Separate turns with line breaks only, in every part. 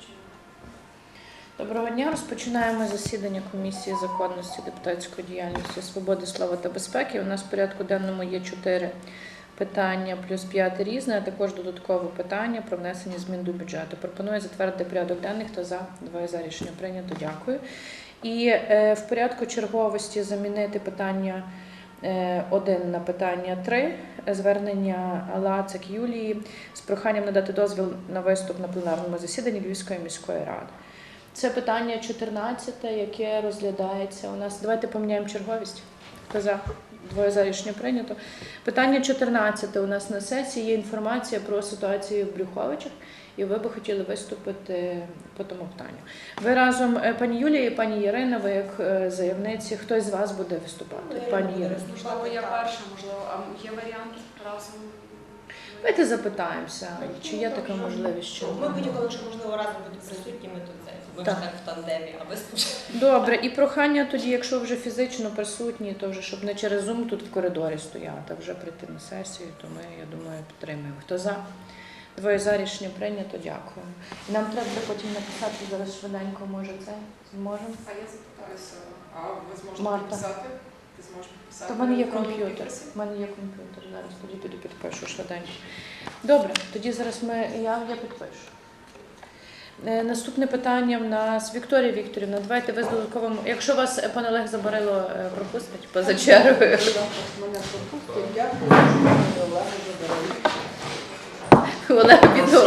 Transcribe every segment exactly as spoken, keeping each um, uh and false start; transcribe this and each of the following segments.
Доброго дня. Розпочинаємо засідання Комісії законності, депутатської діяльності, свободи, слова та безпеки. У нас в порядку денному є чотири питання плюс п'яте різне, а також додаткове питання про внесення змін до бюджету. Пропоную затвердити порядок денний. Хто за? Двоє за. Рішення прийнято. Дякую. І е, в порядку черговості замінити питання один на питання три. Звернення Лацик Юлії з проханням надати дозвіл на виступ на пленарному засіданні Львівської міської ради. Це питання чотирнадцяте, яке розглядається у нас. Давайте поміняємо черговість. Хто за? Двоє за. Рішення прийнято. Питання чотирнадцяте у нас на сесії. Є інформація про ситуацію в Брюховичах. І ви би хотіли виступити по тому питанню. Ви разом, пані Юлія і пані Ірина, ви як заявниці, хтось з вас буде виступати?
Ну,
пані Ірина.
Можливо, я перша, можливо, а є варіант разом?
Давайте запитаємося, чи є така можливість, що...
Ми будь-коли, якщо можливо, разом будуть присутніми, то це ми
так.
ж так в тандемі, а ви спочатку.
Добре, і прохання тоді, якщо вже фізично присутні, то вже, щоб не через Zoom тут в коридорі стояти, а вже прийти на сесію, то ми, я думаю, підтримуємо. Хто за? Двоє за. Рішення прийнято. Дякую. Нам треба потім написати зараз швиденько, може це? Зможемо?
А я запитаюся, а ви зможете
Марта.
підписати? Ти зможеш підписати?
То в мене є
електронні
комп'ютер.
підписи?
В мене є комп'ютер. Зараз тоді піду підпишу швиденько. Добре, тоді зараз ми, я, я підпишу. Е, наступне питання в нас Вікторія Вікторівна. Давайте ви з додатковим. Якщо вас пан Олег Забарило е, пропустить поза чергою.
Мене пропустить. Дякую, що мене Олег Забарило.
Олег піду.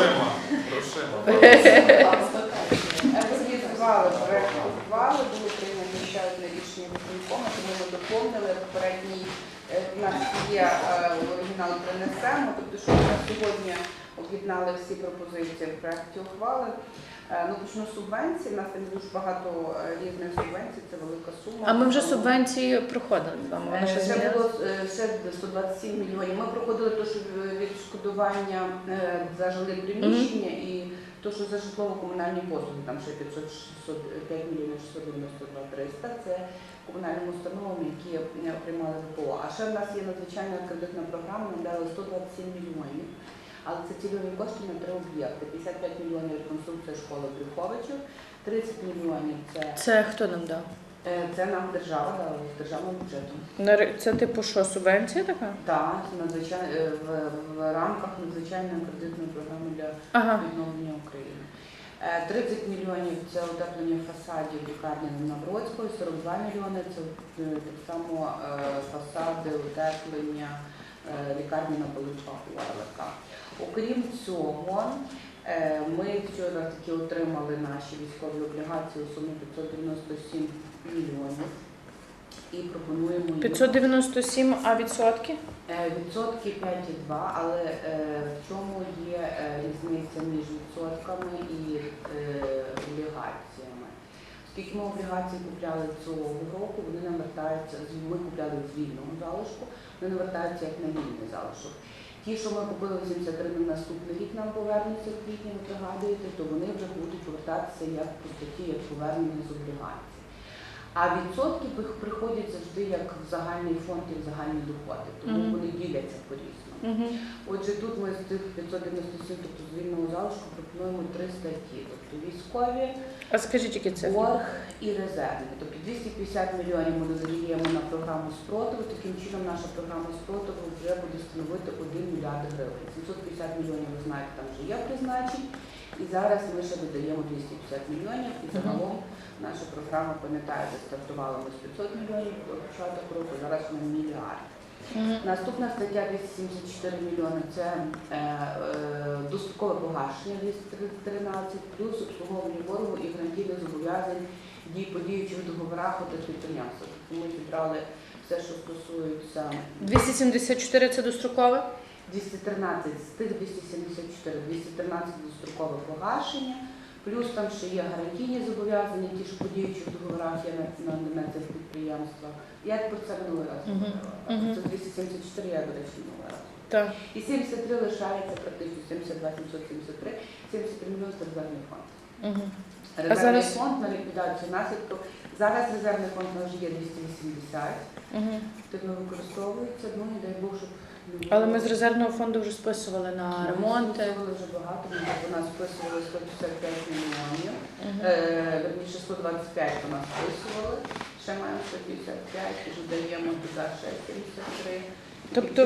Розглядували проєкт ухвали, було прийнято ще одне рішення виконкому, тому ми доповнили попередній, у нас є оригінал принесемо, тобто що ми сьогодні об'єднали всі пропозиції в проєкті ухвали. Ну, почну з субвенцій, у нас там дуже багато різних субвенцій, це велика сума.
А ми вже субвенції проходили з вами. Вони ще
Це
змінилися?
було ще сто двадцять сім мільйонів. Ми проходили те, що відшкодування за жилі приміщення і те, що за житлово-комунальні послуги, там ще п'ятсот шістдесят п'ять мільйонів шістсот дев'яносто два триста, це комунальним установам, які приймали ВПО. А ще в нас є надзвичайна кредитна програма, нам дали сто двадцять сім мільйонів. Але це цільові кошти на три об'єкти. п'ятдесят п'ять мільйонів реконструкція школи Брюховичів, тридцять мільйонів це...
Це хто нам дав?
Це нам держава дала, з державним бюджетом.
Це типу що, субвенція така?
Так, надзвичай... в, в рамках надзвичайної кредитної програми для
ага.
відновлення України. тридцять мільйонів це утеплення фасадів лікарні Навроцької, сорок два мільйони це так само фасади, утеплення лікарні на Пилипах у АЛК. Окрім цього, ми вчора таки отримали наші військові облігації у сумі п'ятсот дев'яносто сім мільйонів і пропонуємо їх...
п'ятсот дев'яносто сім, а відсотки?
Відсотки п'ять цілих два, але в чому є різниця між відсотками і облігаціями? Оскільки ми облігації купляли цього року, вони нам вертаються, ми купляли з вільного залишку, вони не вертаються як на вільний залишок. Ті, що ми купили вісімдесят три на наступний рік, нам повернуться в квітні, ви пригадуєте, то вони вже будуть повертатися як по статті, як повернення з облігацій. А відсотки приходять завжди як в загальний фонд і в загальні доходи, тому mm-hmm. вони діляться по-різному. Mm-hmm. Отже, тут ми з тих п'ятсот дев'яносто сім, тобто з вільного залишку, пропонуємо три статті, тобто військові,
а скажіть, які це?
борг і резервні. Тобто двісті п'ятдесят мільйонів ми додаємо на програму спротиву, таким чином наша програма спротиву вже буде становити один мільярд гривень. сімсот п'ятдесят мільйонів, ви знаєте, там вже є призначень, і зараз ми ще додаємо двісті п'ятдесят мільйонів, і загалом наша програма, пам'ятаєте, стартувала ми з п'ятсот мільйонів до початку року, зараз ми мільярд. Mm-hmm. Наступна стаття двісті сімдесят чотири мільйони – це е, е, дострокове погашення двісті тринадцять, плюс обслуговування боргу і гарантійних зобов'язань дій по діючих договорах у тих підприємствах. Ми зібрали все, що стосується...
двісті сімдесят чотири – це дострокове?
двісті тринадцять, з тих двісті сімдесят чотири, двісті тринадцять – дострокове погашення, плюс там ще є гарантійні зобов'язання, ті, що по діючих договорах є на, на, на цих підприємствах. Я про це минулий раз говорила. Uh-huh. Це двісті сімдесят чотири, я, до речі, минулий раз.
Так.
І сімдесят три лишається практично, сімдесят два сімсот сімдесят три, сімдесят три мільйони – це резервний фонд.
Uh-huh.
Резервний
зараз...
фонд на ліквідацію наслідків. Зараз резервний фонд у нас вже є двісті вісімдесят, uh-huh. тобто використовується, ну і дай Бог, щоб
Але ми з резервного фонду вже списували на ремонти.
Ми списували вже багато, ми у нас списували сто п'ятдесят п'ять мільйонів.
Мгм.
Е, Верніше, сто двадцять п'ять у нас списували. Ще маємо сто п'ятдесят п'ять, і додаємо туди ще сімдесят три.
Тобто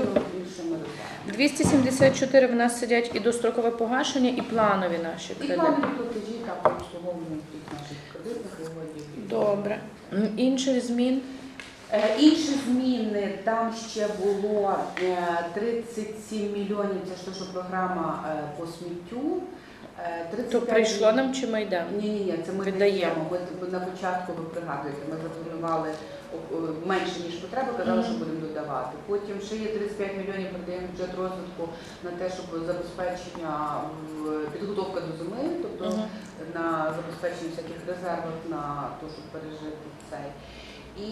двісті сімдесят чотири в нас сидять і дострокове погашення, і планові наші
І
кредити.
планові платежі та обслуговування тих наших кредитних угодів.
Добре. М, Інших змін?
Е, Інші зміни, там ще було е, тридцять сім мільйонів, це ж те, що програма е, по сміттю. Е, тридцять
То
п'ять
прийшло нам чи ми йдемо?
Ні, ні, ні, це ми
Віддаємо.
віддаємо. Ми т- на початку, ви пригадуєте, ми запланували о, о, менше, ніж потреба, казали, що
Мгм.
будемо додавати. Потім ще є тридцять п'ять мільйонів, передаємо в бюджет розвитку на те, щоб забезпечення, в- підготовка до зими, тобто
Мгм.
на забезпечення всяких резервів на те, щоб пережити цей. І,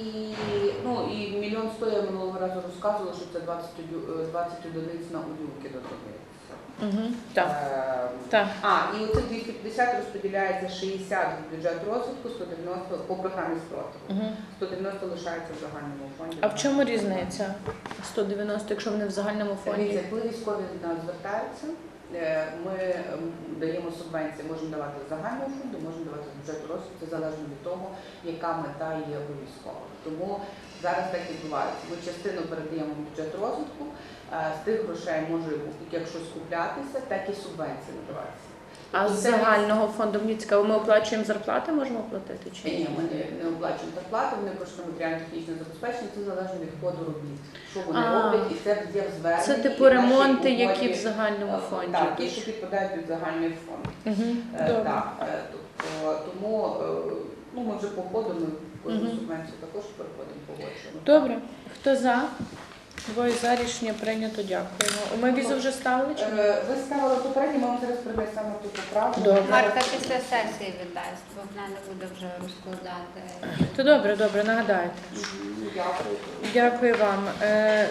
ну, і мільйон сто я минулого разу розказувала, що це двадцять, одю- е, двадцять одиниць на удюки додається.
Угу. Так.
Ем,
Так.
А, і оце двісті п'ятдесят розподіляється шістдесят в бюджет розвитку, сто дев'яносто по програмі спротиву.
Угу.
сто дев'яносто лишається в загальному фонді.
А в чому різниця? сто дев'яносто, якщо вони в загальному фонді?
Дивіться, коли військові до нас звертаються, е, ми ем, даємо субвенції, можемо давати з загального фонду, можемо давати з бюджету розвитку, це залежно від того, яка мета є у військових. Тому зараз так відбувається. Ми частину передаємо в бюджет розвитку, е, з тих грошей може як щось куплятися, так і субвенції надаватися.
А з
Це-
загального фонду, мені цікаво, ми оплачуємо зарплати, можемо оплатити чи
Ні, ми не, не оплачуємо зарплати, вони коштують матеріально-технічне забезпечення, це залежно від ходу робіт. Що вони
А.
роблять, і це є в зверненні.
це
і
типу
в нашій
ремонти,
угоді.
які в загальному
Е,
фонді.
Так, ті, що підпадають під загальний фонд.
Угу.
Е,
Добре.
Так, е, тобто, тому е, ну, ми вже по ходу, ми кожну
Мгм.
субвенцію також переходимо, погоджуємо.
Добре. Хто за? Двоє за, рішення прийнято, дякуємо. Ми візу вже ставили чи ні?
Е, Ви ставили попередньо, ми вам зараз принесемо ту поправку.
Добре.
Марта після сесії віддасть, бо вона не буде вже розкладати.
То добре, добре, нагадайте.
Мгм, Дякую.
Дякую вам. Е,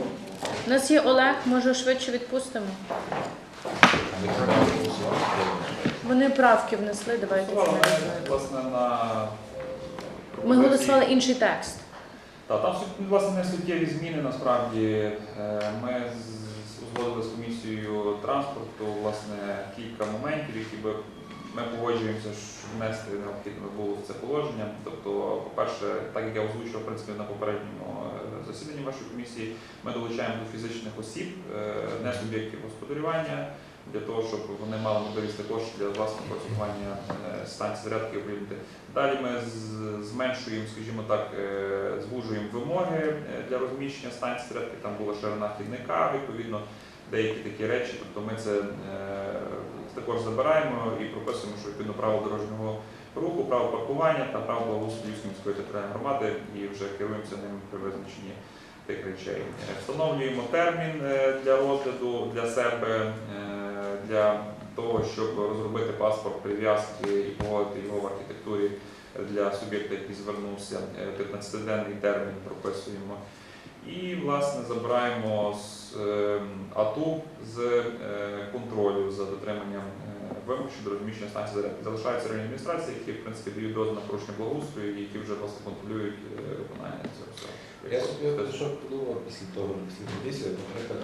у нас є Олег, може швидше відпустимо? Вони правки внесли, давайте
Голосували, ми,
фіналізуємо.
власне, на
Ми голосували інший текст.
Так, там суть- власне не суттєві зміни насправді. Е, Ми з- узгодили з комісією транспорту власне кілька моментів, які би ми погоджуємося, що внести необхідно було в це положення. Тобто, по-перше, так як я озвучував в принципі на попередньому е, засіданні вашої комісії, ми долучаємо до фізичних осіб, е, не суб'єктів господарювання, для того, щоб вони мали можливість також для власного користування е, станції зарядки об'єднати. Далі ми з- зменшуємо, скажімо так, е, звужуємо вимоги е, для розміщення станцій зарядки. Там була ширина хідника, відповідно, деякі такі речі. Тобто ми це е, також забираємо і прописуємо, що відповідно право дорожнього руху, право паркування та право благоустрою міської територіальної громади і вже керуємося ними при визначенні тих речей. Е, Встановлюємо термін е, для розгляду для себе, е, для того, щоб розробити паспорт прив'язки і погодити його в архітектурі для суб'єкта, який звернувся. Е, п'ятнадцятиденний термін прописуємо. І, власне, забираємо з е, АТУ з е, контролю за дотриманням е, вимог щодо розміщення станції зарядки. Залишаються районні адміністрації, які, в принципі, дають дозвіл на порушення благоустрою, і які вже власне контролюють е, виконання цього всього.
Я собі що подумав після того, після комісії, наприклад,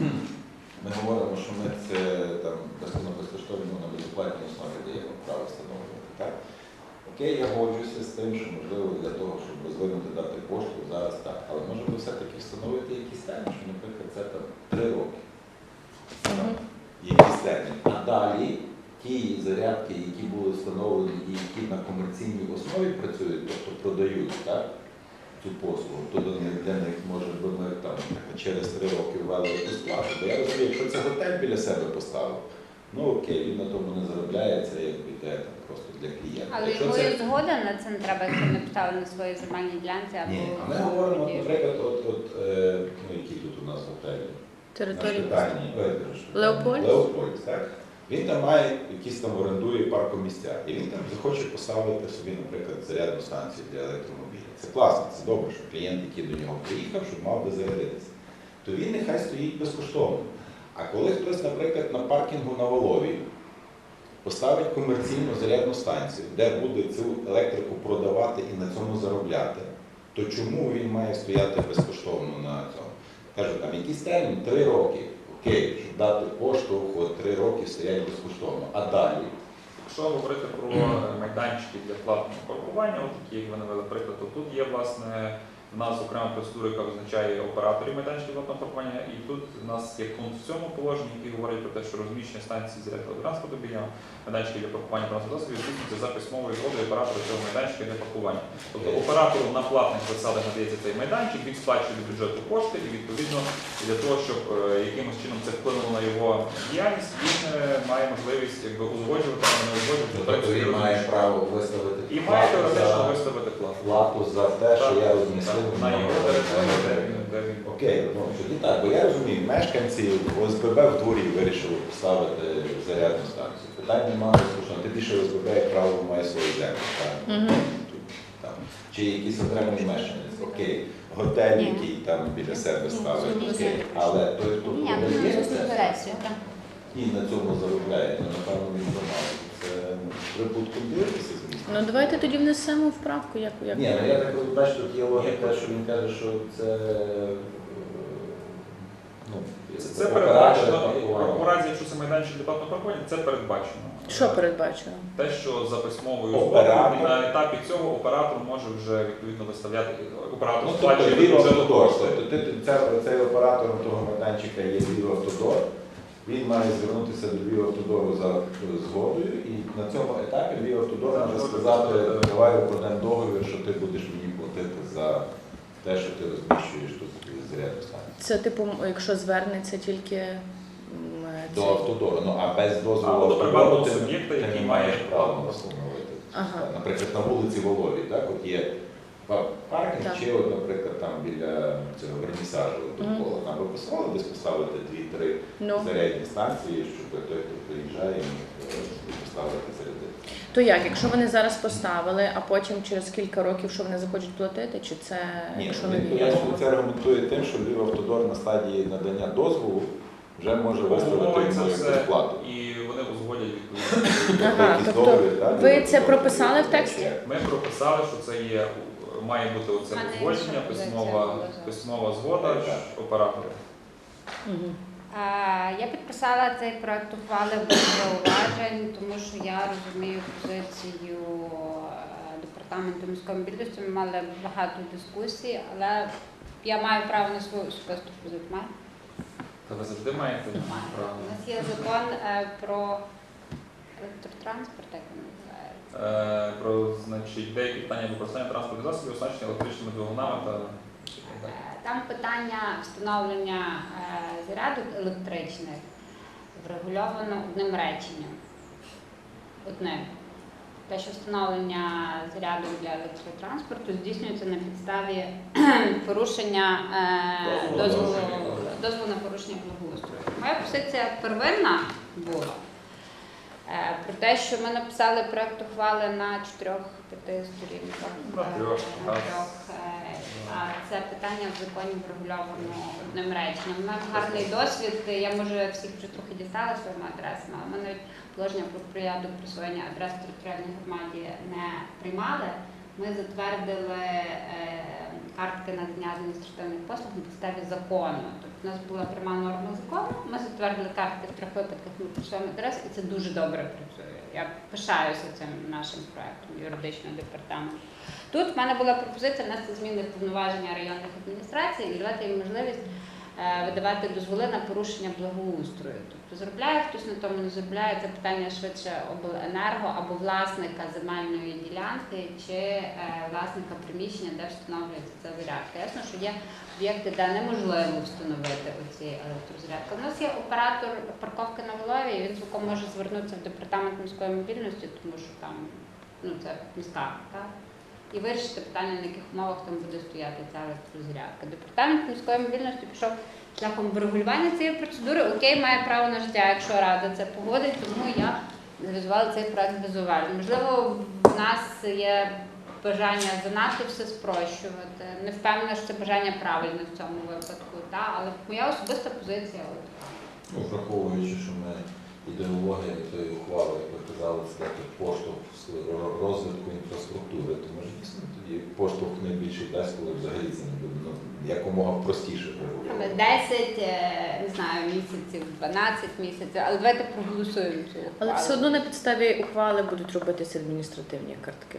ми говоримо, що ми це там безкоштовно на безоплатній основі даємо право встановлювати. Так? Окей, я годжуся з тим, що можливо для того, щоб розвинути дати пошту, зараз так. Але може би все-таки встановити якісь термін, що, наприклад, це там три роки.
Мгм.
Якісь термін. А далі ті зарядки, які були встановлені і які на комерційній основі працюють, тобто продають, так? Цю послугу, то для них, для них може би ми там через три роки ввели якусь плату. Бо я розумію, якщо це готель біля себе поставив, ну окей, він на тому не заробляє, це якби йде там просто для клієнта.
Але
Якщо
йому
це...
і згода на це не треба, якщо не поставив на своїй земельній ділянці або
Ні, а ми
в
говоримо, от,
суді.
наприклад, от, от е, ну, які тут у нас готелі?
Території.
Наш питання, ой, кажу,
Леопольд?
Леопольд, так? Він там має якісь там орендує паркомістя, і він там захоче поставити собі, наприклад, зарядну станцію для електромобіля. Це класно, це добре, що клієнт, який до нього приїхав, щоб мав де зарядитися. То він нехай стоїть безкоштовно. А коли хтось, наприклад, на паркінгу на Волові поставить комерційну зарядну станцію, де буде цю електрику продавати і на цьому заробляти, то чому він має стояти безкоштовно на цьому? кажу, там якийсь термін, три роки, окей, щоб дати поштовх, от три роки стоять безкоштовно. А далі?
Якщо говорити про майданчики для платного паркування, от такі, як ви навели приклад, то тут є власне в нас окрема процедура, яка визначає операторів майданчиків платного паркування, і тут у нас є пункт в цьому положенні, який говорить про те, що розміщення станції зарядного транспорту біля майданчиків для паркування транспортних засобів здійснюється за письмовою згодою оператора цього майданчика для паркування. Тобто оператору на платних засадах надається цей майданчик, він сплачує до бюджету кошти, і відповідно для того, щоб е, якимось чином це вплинуло на його діяльність, він е, має можливість якби узгоджувати або не узгоджувати.
Тобто він має право виставити
І має
плату
теоретично
за-
виставити плату.
плату за те, що
Так,
я розмістив.
на його території, де він, де він.
Окей, ну тоді так, бо я розумію, мешканці ОСББ в дворі вирішили поставити зарядну станцію. Питань немає, слушно, ти більше ОСББ, як правило, має свої землі.
Мгм.
Там. Чи якийсь окремий мешканець, окей, готель,
Ні.
який там біля себе ставить,
Ні,
окей.
ні.
Але той, хто
Ні,
продає
ну,
це
суперечить.
і на цьому заробляє, то напевно він помагає. Це прибутком дивитися з міста.
Ну давайте тоді внесемо в правку, як, як
Ні, ну я так розумію, бачу, тут є логіка, що він каже, що це е, ну,
Це, це
оператори
передбачено,
паркування.
у разі, якщо це майданчик для платного паркування, це передбачено.
що передбачено?
Те, що за письмовою
Оператор.
згодою на етапі цього оператор може вже відповідно виставляти, оператор
Ну,
сплачує
тобто
до
Львів
бюджету
Автодор,
кошти.
тобто ти- ця- цей оператором того майданчика є Львів Автодор, він має звернутися до Львів Автодору за згодою, і на цьому етапі Львів Автодор може сказати, давай укладемо договір, що ти будеш мені платити за те, що ти розміщуєш тут зарядну станцію.
Це типу, якщо звернеться тільки м,
До
цей-
Автодору, ну а без дозволу
Або до
Автодору
приватного
ти,
суб'єкта,
ти
який
не
має
маєш права
право
встановити.
Ага.
Наприклад, на вулиці Волові, так, от є па- паркінг,
Так.
чи, от, наприклад, там біля цього вернісажу довкола, там би посилали десь поставити дві-три
Ну,
зарядні станції, щоб той, хто приїжджає, міг е, собі поставити зарядити.
то як, якщо вони зараз поставили, а потім через кілька років, що вони захочуть платити, чи це
Ні,
якщо
він
нові?
пояснює, це аргументує тим, що Львів Автодор на стадії надання дозволу вже може виставити
Обговорюється
йому
все,
якусь плату.
і вони узгодять відповідно.
Ага,
Якийсь
тобто
договір, так,
ви
Львів
це
Автодор
прописали в
приймає,
тексті?
чи-
Ми прописали, що це є, має бути оце
А не
узгодження,
інша позиція
письмова,
була зараз.
письмова згода
Так.
ж оператора.
Мгм.
А, Я підписала цей проект ухвали без зауважень, тому що я розумію позицію е, департаменту міської мобільності. Ми мали багато дискусій, але я маю право на свою особисту позицію. Маю?
Та ви завжди маєте
Маю.
право.
У нас є закон е, про електротранспорт, як він називається.
Е, Про значить, деякі питання використання транспортних засобів, оснащення електричними двигунами та
Е, Там питання встановлення е, зарядок електричних врегульовано одним реченням. Одним. Те, що встановлення зарядок для електротранспорту здійснюється на підставі порушення е,
Дозволу на
дозволу,
порушення.
дозволу на порушення благоустрою. Моя позиція первинна була е, про те, що ми написали проект ухвали на чотирьох-п'яти сторінках.
На трьох,
Е, на
так.
трьох, е, А це питання в законі врегульовано одним реченням. У мене гарний досвід. Я може всіх вже трохи дістала своїми адресами, але ми навіть положення про порядок присвоєння адрес територіальній громаді не приймали. Ми затвердили е, картки надання адміністративних послуг на підставі закону. Тобто у нас була пряма норма закону. Ми затвердили картки в трьох випадках, ми присвоїмо адрес, і це дуже добре працює. Я пишаюся цим нашим проектом юридичного департаменту. Тут в мене була пропозиція внести зміни в повноваження районних адміністрацій і давати їм можливість е, видавати дозволи на порушення благоустрою. Тобто заробляє хтось на тому, не заробляє, це питання швидше обленерго або власника земельної ділянки чи е, власника приміщення, де встановлюється ця зарядка. Ясно, що є об'єкти, де неможливо встановити оці електрозарядки. У нас є оператор парковки на Волові, і він цілком може звернутися в департамент міської мобільності, тому що там ну, це міська, так? І вирішити питання, на яких умовах там буде стояти ця електрозарядка. Департамент міської мобільності пішов шляхом врегулювання цієї процедури. Окей, має право на життя, якщо Рада це погодить, тому я завізувала цей проект без уважень. Можливо, в нас є бажання занадто все спрощувати. Не впевнена, що це бажання правильне в цьому випадку, та? Але моя особиста позиція от така.
Ну, враховуючи, що ми ідеологія тої ухвали, як ви казали, це дати поштовх з розвитку інфраструктури, то ми ж дійсно тоді і поштовх найбільший дасть, коли взагалі це не буде ну, якомога простіше
Там
врегулювати.
десять, е, не знаю, місяців, дванадцять місяців, але давайте проголосуємо цю ухвалу.
Але все одно на підставі ухвали будуть робитися адміністративні картки.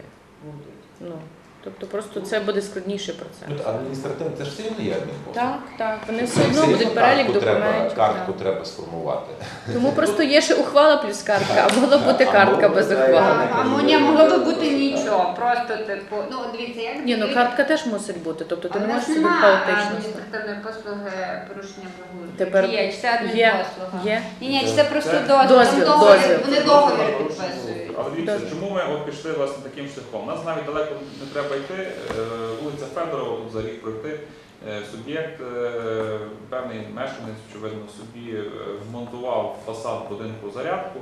Ну, тобто просто це буде складніший
Ну,
процес.
адміністративно, це ж все одно є адмінпослуг.
Так, так. Вони
Це
все одно
рівно
будуть перелік
картку треба-
документів.
Картку
так.
треба сформувати.
Тому просто є ще ухвала плюс картка, а могла бути
А
картка
могло
без
бути,
ухвали.
А, а мо- могло би бути нічого, просто типу, ну дивіться, як
Ні, ну картка теж мусить бути, тобто ти
А
не
в нас
можеш собі
немає
хаотично.
адміністративної послуги порушення благоустрою.
Тепер
Чи є, чи це
є,
адмінпослуга?
є.
Ні, ні, чи це просто
Це
дозвіл.
дозвіл,
Там договір,
дозвіл.
вони договір підписують.
Але дивіться,
Дозвіл.
чому ми от пішли власне таким шляхом? У нас навіть далеко не треба йти. Е, Вулиця Федорова, тут за рік пройти. Е, Суб'єкт, е, певний мешканець, очевидно, собі е, вмонтував фасад будинку зарядку,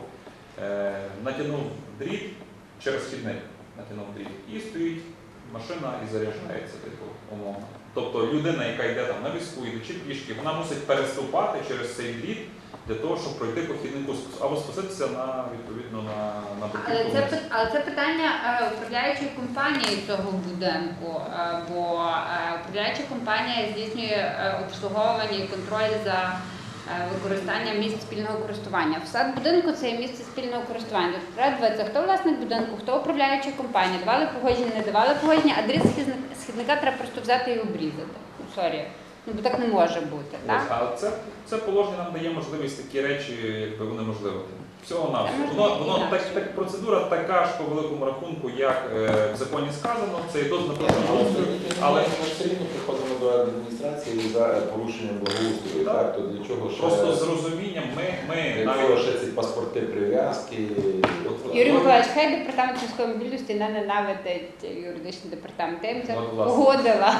е, натягнув дріт через хідник, натягнув дріт і стоїть машина і заряджається, типу, умовно. Тобто людина, яка йде там на візку, йдучи пішки, вона мусить переступати через цей дріт для того, щоб пройти по хіднику або спуститися на відповідно на, на
Але
бруківку
це,
вниз.
пи- але це питання е, управляючої компанії цього будинку, е, бо е, управляюча компанія здійснює е, обслуговування і контроль за е, використанням місць спільного користування. Фасад будинку це є місце спільного користування. Тобто треба дивитися, хто власник будинку, хто управляюча компанія, давали погодження, не давали погодження, а дріт східника, східника треба просто взяти і обрізати. Ну, сорі. Ну, бо так не може бути, так?
Ось, а це, це положення нам дає можливість такі речі, якби унеможливити. Всього нам.
Та можна
Воно, воно
інакше.
так, так, процедура така ж по великому рахунку, як е, в законі сказано, це і дозвіл на благоустрою, але
ми все рівно приходимо до адміністрації за порушенням благоустрою,
Так.
так? То для чого ще,
просто з розумінням ми, ми
для чого
навіть
ще ці паспорти прив'язки? От,
Юрій
от,
Миколаївич, хай департамент міської мобільності не ненавидить юридичний департамент. Я їм це
От, власне.
погодила.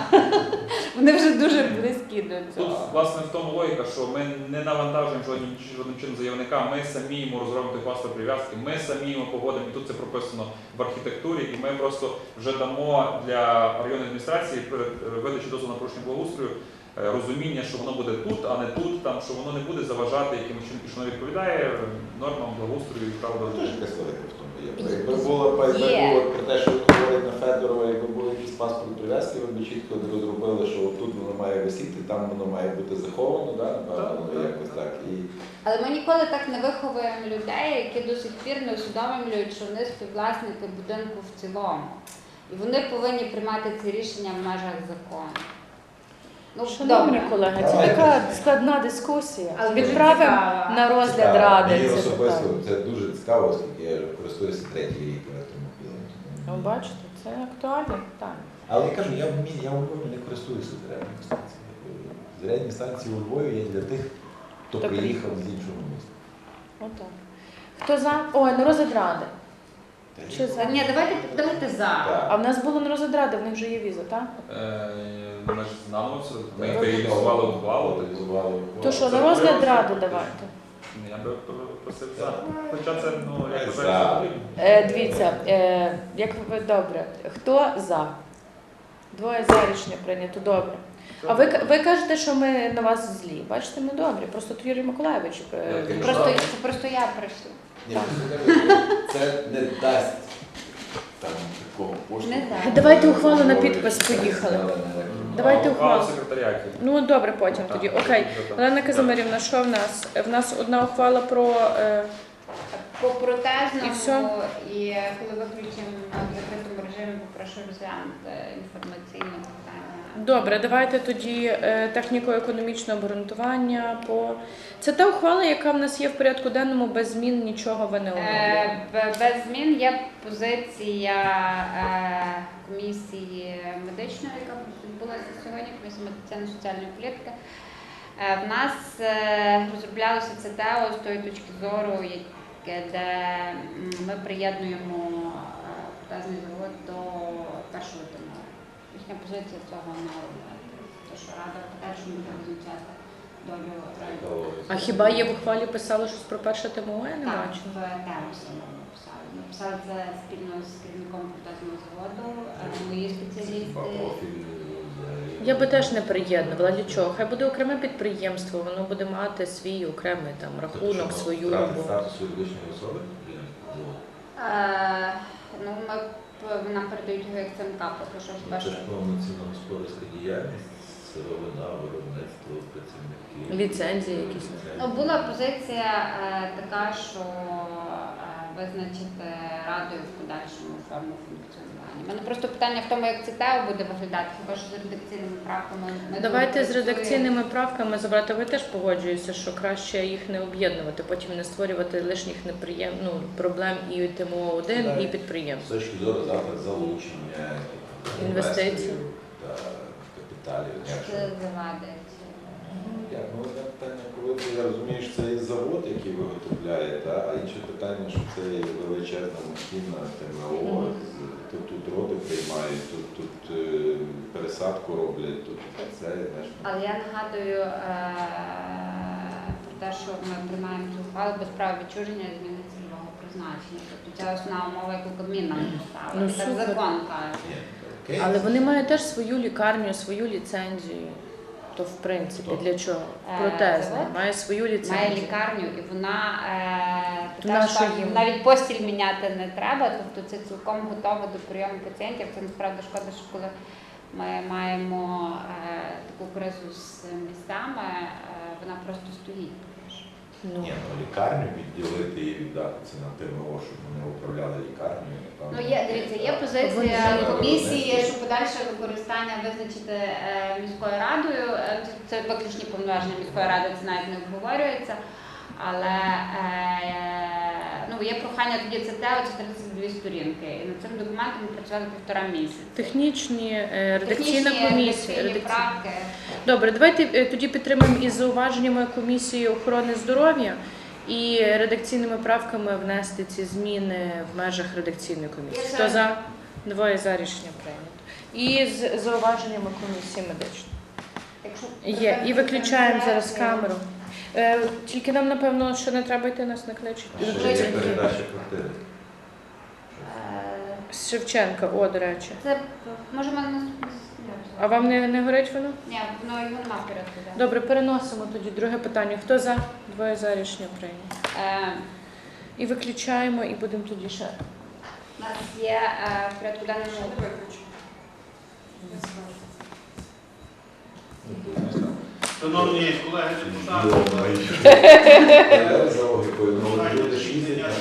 Вони вже дуже близькі до
тут
цього.
власне в тому логіка, що ми не навантажуємо жодним, жодним чином заявника, ми самі йому розробимо той паспорт прив'язки, ми самі йому погодимо, і тут це прописано в архітектурі, і ми просто вже дамо для районної адміністрації перед видачі дозволу на порушення благоустрою е, розуміння, що воно буде тут, а не тут, там, що воно не буде заважати якимось чином, і що воно відповідає нормам благоустрою і прав
Теж
дорожнього.
якась логіка в тому є. Якби було, якби
Є.
було про те, що говорить на Федорова, якби був якийсь паспорт прив'язки, ви б чітко розробили, що тут воно має висіти, там воно має бути заховано, да? Напевно,
Так,
воно
так,
якось
так.
так. І
Але ми ніколи так не виховуємо людей, які до сих пір не усвідомлюють, що вони співвласники будинку в цілому. І вони повинні приймати ці рішення в межах закону. Ну,
Шановні
добре.
колеги, це
Давайте.
така складна дискусія.
Але дуже
Відправимо
цікава.
на розгляд
цікаво.
ради
Мені
це
особисто
питання.
це дуже цікаво, оскільки я користуюся третій рік електромобілем.
Ну, бачите, це актуальне питання.
Але я кажу, я в мі- я у Львові не користуюся зарядними станціями. Зарядні станції у Львові є для тих, хто
Хто
приїхав з іншого міста.
Отак. Хто за? Ой, на розгляд ради. Чи за?
Ні, давайте, давайте за.
А
Так.
в нас було на розгляд ради, в них вже є віза, так?
Е, Ми ж знаємо все, ми
Так.
реалізували ухвалу.
Реалізували ухвалу.
То що,
це
на розгляд
треба
ради
зробити.
давайте.
Я би просив за. Хоча це, ну, як
За.
вважається, потрібно.
Е, дивіться, е, як ви добре, хто за? Двоє за рішення прийнято, добре. А ви, ви кажете, що ми на вас злі. Бачите, ми добрі. Просто то Юрій Миколаївич. е,
Я кажу,
Просто,
так.
це просто я прийшла.
Ні, ну, це не дасть там такого поштовху.
Не дасть.
Давайте ухвалу на підпис, поїхали. Давайте
А,
ухвалу.
в секретаріаті.
Ну добре, потім
Так,
тоді.
так,
Окей.
вже так.
Олена Казимирівна, що в нас? В нас одна ухвала про. Е,
По протезному
І все?
і коли виключимо в закритому режимі, попрошу розглянути інформаційне питання.
Добре, давайте тоді е, техніко-економічне обґрунтування по. Це та ухвала, яка в нас є в порядку денному, без змін нічого ви не оновлюєте.
Е, б- Без змін є позиція е, комісії медичної, яка відбулася сьогодні, комісії медицинно-соціальної політики. Е, В нас е, розроблялося це ТЕО з тої точки зору, яке- де м, ми приєднуємо е, протезний завод до першого тимору. Їхня позиція цього не робить. Тому що Рада подальшому буде визначати долю району.
А хіба є в ухвалі писало щось про перше ТМО? Я не
Так,
бачу.
в тему саме написали. Написали це спільно з керівником протезного заводу, е, мої спеціалісти.
Профіль взагалі.
Я би теж не приєднувала. Для чого? Хай буде окреме підприємство, воно буде мати свій окремий там рахунок,
Тобто, що,
свою
втратить
роботу.
статус юридичної особи?
Е, Ну, ми п- нам передають його як ЦМК, поки що
Це
вперше.
ж повноцінна господарська діяльність, сировина, виробництво, працівники.
Ліцензії якісь.
Ну, була позиція е, така, що е, визначити радою в подальшому форму функціонування. У мене просто питання в тому, як це ТЕО буде виглядати, хіба що з редакційними правками. ми
Давайте
тут
з
працюємо.
редакційними правками забрати. Ви теж погоджуєтеся, що краще їх не об'єднувати, потім не створювати лишніх неприєм... ну, проблем і ТМО один, і підприємств.
З точки зору завтра залучення
Інвестицій.
інвесторів та капіталів.
Що
Якщо-
це завадить?
Як, ну, одне питання, коли ти, я розумію, що це є завод, який виготовляє, та, а інше питання, що це є величезна махіна ТМО,
Мгм.
з- тут, тут роди приймають, тут, тут е, пересадку роблять, тут це, знаєш.
Але я нагадую е, про те, що ми приймаємо цю ухвалу без права відчуження і зміни цільового призначення. Тобто ця основна умова, яку Кабмін нам поставив.
Ну,
І так
супер.
закон каже.
Ні, окей.
Але вони мають теж свою лікарню, свою ліцензію. То в принципі
Хто?
для чого?
Е,
Протезна
завод
має свою
Має
ліцензію.
лікарню, і вона е,
На
така,
що
що
їм?
навіть постіль міняти не треба, тобто це цілком готово до прийому пацієнтів. Це насправді шкода, що коли ми маємо е, таку кризу з містами, е, вона просто стоїть.
Ну.
Ні, ну лікарню відділити і віддати це на ТМО, щоб вони управляли лікарнею. напевно.
Ну, є, дивіться, є позиція
Вони-
комісії, що подальше використання визначити е, міською радою. Е, Це, це виключні повноваження міської ради, це навіть не обговорюється. Але е, ну, є прохання тоді це ТЕО, це тридцять дві сторінки. І над цим документом ми працювали півтора місяця.
Технічні, е, редакційна
Технічні,
комісія.
редакційні
редакційна.
правки.
Добре, давайте е, тоді підтримаємо із зауваженнями комісії охорони здоров'я і редакційними правками внести ці зміни в межах редакційної комісії.
Я
Хто
за.
за? Двоє за рішення прийнято. І з зауваженнями комісії медичної.
Якщо
Є. І виключаємо зараз камеру. Е, Тільки нам, напевно, ще не треба йти, нас не кличуть.
Ще є передача квартири.
Е,
З Шевченка, о, до речі.
Це може в мене наступне.
А вам не, не горить воно?
Ні, воно його нема в порядку. денному.
Добре, переносимо тоді друге питання. Хто за? Двоє за рішення прийнято.
Е,
І виключаємо, і будемо тоді ще.
У нас є е, в порядку денному
Шановні колеги депутати,
Я за логікою, ну, люди ж їздять на